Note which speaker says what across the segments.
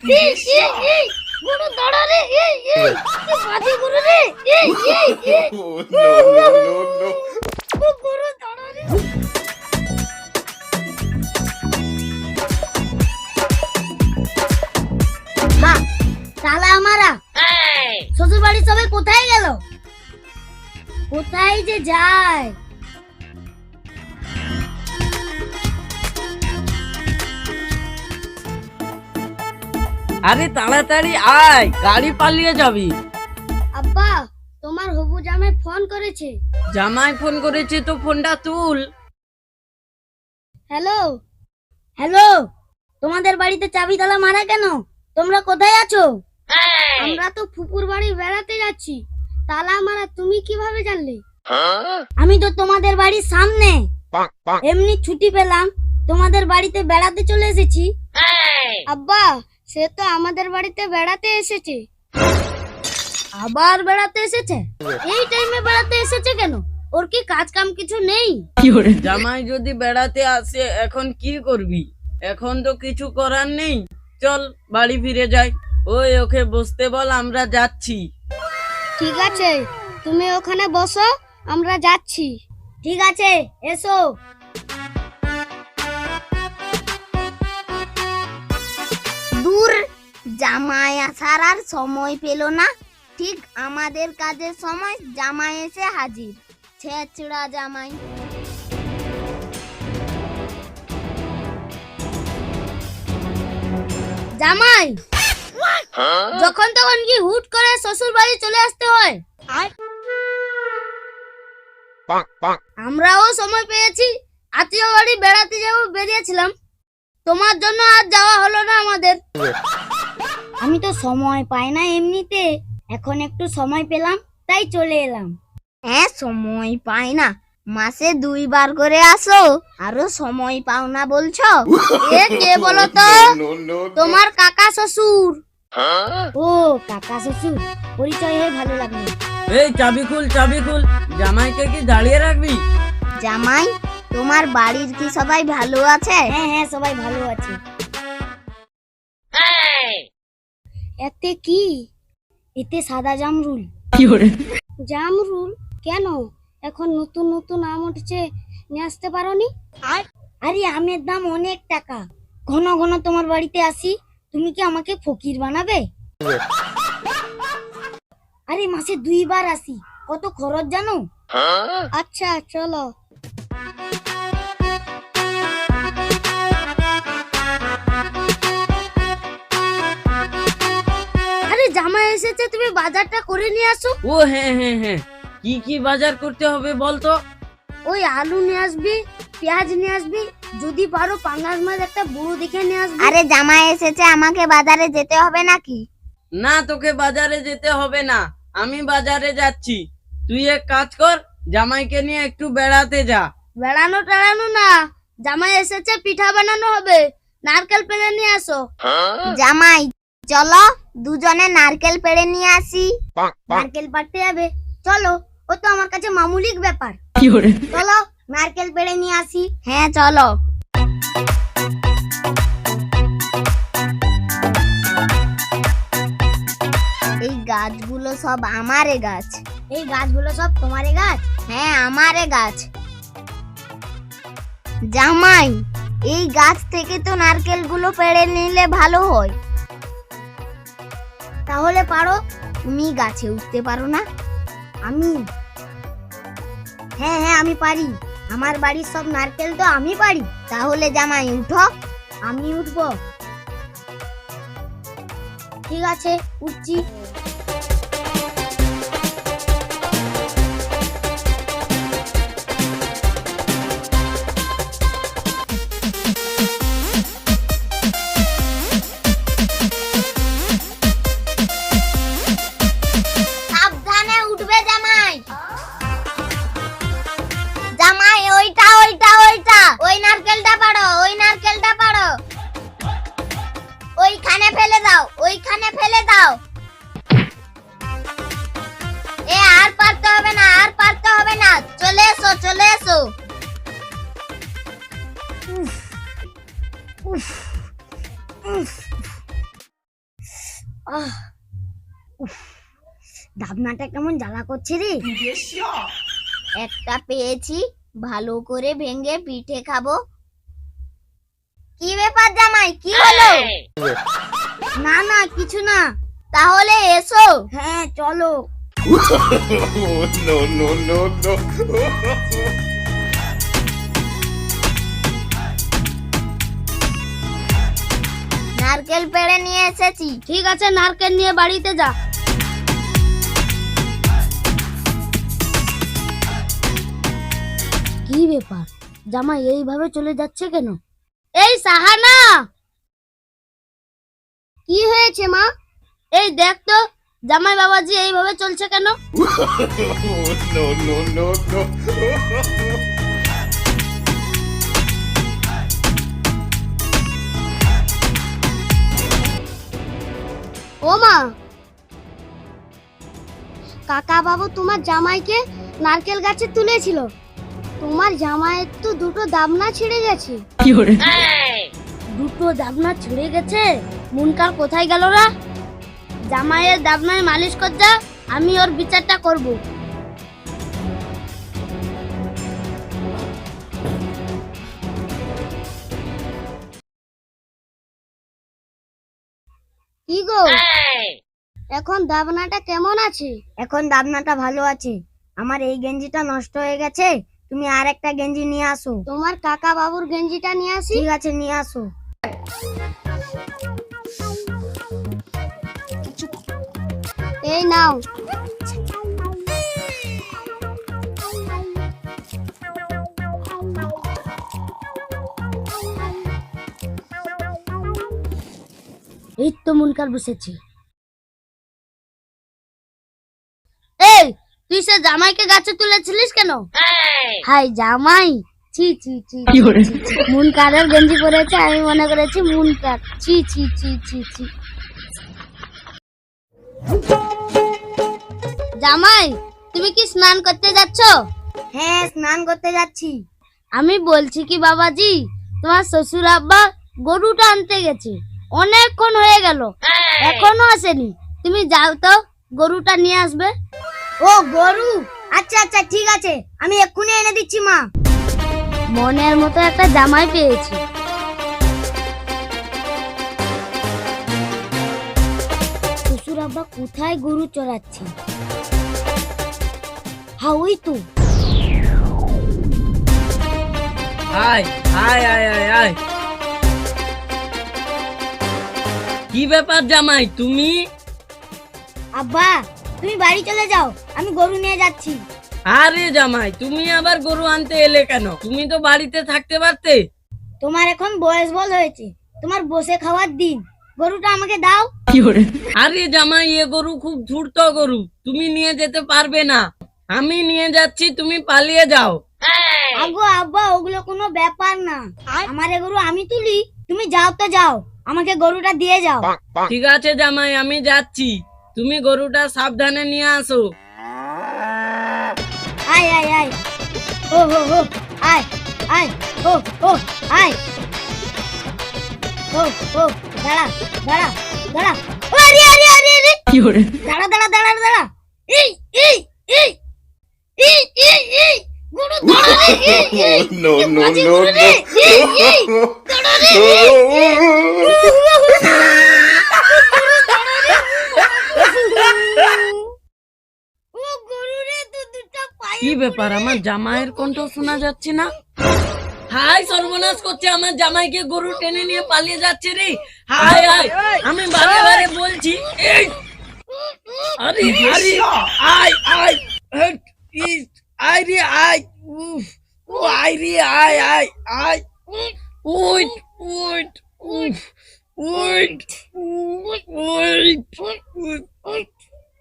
Speaker 1: গরু দাঁড়া রে, বাজে গরু রে, গরু দাঁড়া রে। মা, শালা আমারা শ্বশুর বাড়ির সবাই কোথায় গেল? কোথায় যে যায়?
Speaker 2: আরে তাড়াতাড়ি আয়, গাড়ি পালিয়ে যাবি।
Speaker 1: আব্বা, তোমার হবু জামাই ফোন করেছে।
Speaker 2: জামাই ফোন করেছে তো ফোনটা তুল।
Speaker 1: হ্যালো হ্যালো, তোমাদের বাড়িতে চাবি তালা মারা কেন? তোমরা কোথায় আছো? আমরা তো ফুপুর বাড়ি বেড়াতে যাচ্ছি। তালা মারা তুমি কিভাবে জানলে? আমি তো তোমাদের বাড়ির সামনে, এমনি ছুটি পেলাম, তোমাদের বাড়িতে বেড়াতে চলে এসেছি। আব্বা, সে তো আমাদের বাড়িতে বেড়াতে এসেছে। আবার বেড়াতে এসেছে? এই টাইমে বেড়াতে এসেছে কেন? ওর কি কাজ কাম কিছু নেই?
Speaker 2: জামাই যদি বেড়াতে আসে এখন কি করবি? এখন তো কিছু করার নেই, চল বাড়ি ফিরে যাই। ওই ওকে বসতে বল, আমরা যাচ্ছি।
Speaker 1: ঠিক আছে, তুমি ওখানে বসো, আমরা যাচ্ছি। ঠিক আছে, এসো। দূর, জামাই আসার আর সময় পেল না। ঠিক আমাদের কাজের সময় জামাই এসে হাজির। ছেঁচড়া জামাই। জামাই যখন তখন কি হুট করে শ্বশুর বাড়ি চলে আসতে হয়? আমরাও সময় পেয়েছি, আত্মীয় বাড়ি বেড়াতে যাবো বেরিয়েছিলাম, তোমার জন্য আজ যাওয়া হলো না আমাদের। আমি তো সময় পাই না এমনিতে, এখন একটু সময় পেলাম তাই চলে এলাম। হ্যাঁ, সময় পাই না, মাসে 2 বার করে আসো, আরো সময় পাও না বলছো? এ কে বলো তো? তোমার কাকা শ্বশুর। ও কাকা শ্বশুর, পরিচয় হয়ে ভালো লাগলো।
Speaker 2: এই চাবি খুল, চাবি খুল। জামাইকে কি দাঁড়িয়ে রাখবি?
Speaker 1: জামাই, তোমার বাড়ির কি সবাই ভালো আছে? হ্যাঁ হ্যাঁ, সবাই ভালো আছে। এতে কি? এতে সাদা জামরুল। জামরুল কেন? এখন নতুন নতুন আম উঠছে, নিয়ে আসতে পারোনি? আরে আমের দাম অনেক টাকা, ঘন ঘন তোমার বাড়িতে আসি, তুমি কি আমাকে ফকির বানাবে? আরে মাসে 2 বার আসি, কত খরচ জানো? আচ্ছা চলো। আরে জামাই এসেছে, তুমি বাজারটা করে নিয়ে আসো।
Speaker 2: ও হ্যাঁ হ্যাঁ হ্যাঁ, কি কি বাজার করতে হবে বলতো?
Speaker 1: ওই আলু নিয়ে আসবি, পেঁয়াজ নিয়ে আসবি, যদি পারো পাঙ্গাস মাছ একটা বড় দেখে নিয়ে আসবি। আরে জামাই এসেছে, আমাকে বাজারে যেতে হবে নাকি?
Speaker 2: না, তোকে বাজারে যেতে হবে না, আমি বাজারে যাচ্ছি। তুই এক কাজ কর, জামাইকে নিয়ে একটু বেড়াতে যা।
Speaker 1: বেড়ানো টেড়ানো না, জামাই এসেছে, পিঠা বানানো হবে, নারকেল পেড়ে নিয়ে আসো। জামাই চলো, দুজনে নারকেল পেড়ে নিয়ে আসি। নারকেল পাড়তে যাবে? চলো, ও তো আমার কাছে মামুলিক ব্যাপার। চলো নারকেল পেড়ে নিয়ে আসি। হ্যাঁ চলো। এই গাছগুলো সব আমারে গাছ। এই গাছগুলো সব তোমারে গাছ? হ্যাঁ, আমারে গাছ। জামাই, এই গাছ থেকে তো নারকেলগুলো পেড়ে নিলে ভালো হয়। তাহলে পারো? তুমি গাছে উঠতে পারো না? আমি? হ্যাঁ হ্যাঁ, আমি পারি, আমার বাড়ির সব নারকেল তো আমি পারি। তাহলে জামাই উঠো। আমি উঠবো? ঠিক আছে, উঠছি। সাবধানে উঠবে জামাই। জামাই ওইটা ওইটা ওইটা, ওই নারকেলটা পাড়ো, ওই নারকেলটা পাড়ো, ওইখানে ফেলে দাও, ওইখানে ফেলে দাও। এ আর পারতে হবে না, আর পারতে হবে না, চলে এসো চলে এসো। উফ উফ উফ। আহ, উফ, ডাবনাটা কেমন জ্বালা করছে রে। একটা পেয়েছি, ভালো করে ভেঙে পিঠে খাবো। কি ব্যাপার জামাই, কি হলো? না না কিছু না। তাহলে এসো। হ্যাঁ চলো।
Speaker 3: no, no, no, no.
Speaker 1: নারকেল পেড়ে নিয়ে এসেছি। ঠিক আছে, নারকেল নিয়ে বাড়িতে যা। কি ব্যাপার, জামাই এইভাবে চলে যাচ্ছে কেন? এই সাহানা, কি হয়েছে মা? এই দেখ তো, জামাই বাবাজি এইভাবে চলছে কেন?
Speaker 3: no, no, no, no.
Speaker 1: ও মা, কাকা বাবু তোমার জামাইকে নারকেল গাছে তুলেছিল। তোমার জামাইয়ের তো দুটো দাবনা ছিঁড়ে গেছে। দুটো দাবনা ছিঁড়ে গেছে? মুনকার কোথায় গেল রা? জামাইয়ের দাবনায় মালিশ কর যা, আমি ওর বিচারটা করব। কি গো, এখন দাবনাটা কেমন আছে? এখন দাবনাটা ভালো আছে। আমার এই গেঞ্জিটা নষ্ট হয়ে গেছে, তুমি আর একটা গেঞ্জি নিয়ে আসো। তোমার কাকা বাবুর গেঞ্জিটা নিয়ে আসি। ঠিক আছে, নিয়ে আসো। এই নাও। এই তো মুনকার বসেছি। এই, তুই সে জামাইকে গাছে তুলেছিলিস কেন? হাই জামাই, ছি ছি ছি ছি, ছি। মুনকারের গেঞ্জি পরেছে, আমি মনে করেছি মুনকার। ছি ছি ছি ছি ছি। জামাই, তুমি কি স্নান করতে যাচ্ছ? হ্যাঁ, স্নান করতে যাচ্ছি। আমি বলছি কি বাবাজি, তোমার শ্বশুর আব্বা গরুটা আনতে গেছে, অনেকক্ষণ হয়ে গেল, এখনো আসেনি। তুমি যাও তো, গরুটা নিয়ে আসবে। ও গরু, আচ্ছা আচ্ছা ঠিক আছে, আমি এক্ষুনি এনে দিচ্ছি মা। মনের মতো একটা জামাই পেয়েছি। শ্বশুর আব্বা কোথায় গরু চড়াচ্ছে? হ্যাঁ ওই তো।
Speaker 2: আয় আয় আয় আয় আয়। কি ব্যাপার জামাই, তুমি?
Speaker 1: আব্বা, তুমি বাড়ি চলে যাও, আমি গরু নিয়ে যাচ্ছি।
Speaker 2: আরে জামাই, তুমি আবার গরু আনতে এলে কেন? তুমি তো বাড়িতে থাকতে পারতে।
Speaker 1: তোমার এখন বয়স বল হয়েছে, তোমার বসে খাওয়ার দিন। গরুটা আমাকে দাও।
Speaker 2: আরে জামাই, এ গরু খুব ধূর্ত গরু, তুমি নিয়ে যেতে পারবে না। আমি নিয়ে যাচ্ছি, তুমি পালিয়ে যাও।
Speaker 1: আগো আব্বা, ওগুলো কোনো ব্যাপার না। আমার এ গরু আমি তুলি, তুমি যাও তো যাও, আমাকে গরুটা দিয়ে যাও।
Speaker 2: ঠিক আছে জামাই, আমি যাচ্ছি, তুমি গরুটা সাবধানে নিয়ে আসো।
Speaker 1: আয় আয় আয়, ও হো হো, আয় আয়, ও ও আয়, ও ও, দাঁড়া দাঁড়া দাঁড়া, ও আরে আরে আরে আরে, দাঁড়া দাঁড়া দাঁড়া দাঁড়া, এই এই এই এই এই এই, গরু দাঁড়া রে, এই এই,
Speaker 3: no, no,
Speaker 1: বাজে
Speaker 3: no,
Speaker 1: গরু রে, এই এই, দাঁড়া রে, এই, ও গরু রে, তো দুটো পায়ে
Speaker 2: কি ব্যাপার, আমার জামাইয়ের কণ্ঠ শোনা যাচ্ছে না? হাই, সর্বনাশ করছে, আমার জামাইকে গরু টেনে নিয়ে পালিয়ে যাচ্ছে রে। হাই হাই, আমি বারে বারে বলছি। এই, আরে আরে, আয় আয়, হট, ইস, আয় রে আয়, উফ, ও আয় রে আয় আয় আয়, উইট উইট, উফ, উইট উইট উইট,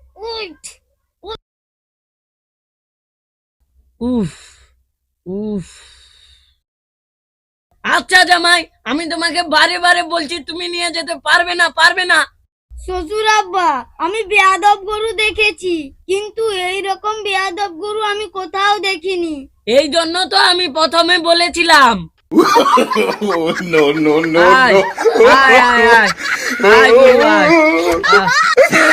Speaker 2: উফ উফ। আচ্ছা জামাই, আমি তোমাকে বারে বারে বলছি, তুমি নিয়ে যেতে পারবে না, পারবে না।
Speaker 1: শ্বশুর আব্বা, আমি বেয়াদব গরু দেখেছি, কিন্তু এই রকম বেয়াদব গরু আমি কোথাও দেখিনি।
Speaker 2: এই জন্য তো আমি প্রথমে বলেছিলাম।
Speaker 3: no, no, no,
Speaker 2: আয়
Speaker 3: no.
Speaker 2: আয় আয় আয়, আয় গরু আয়। আহ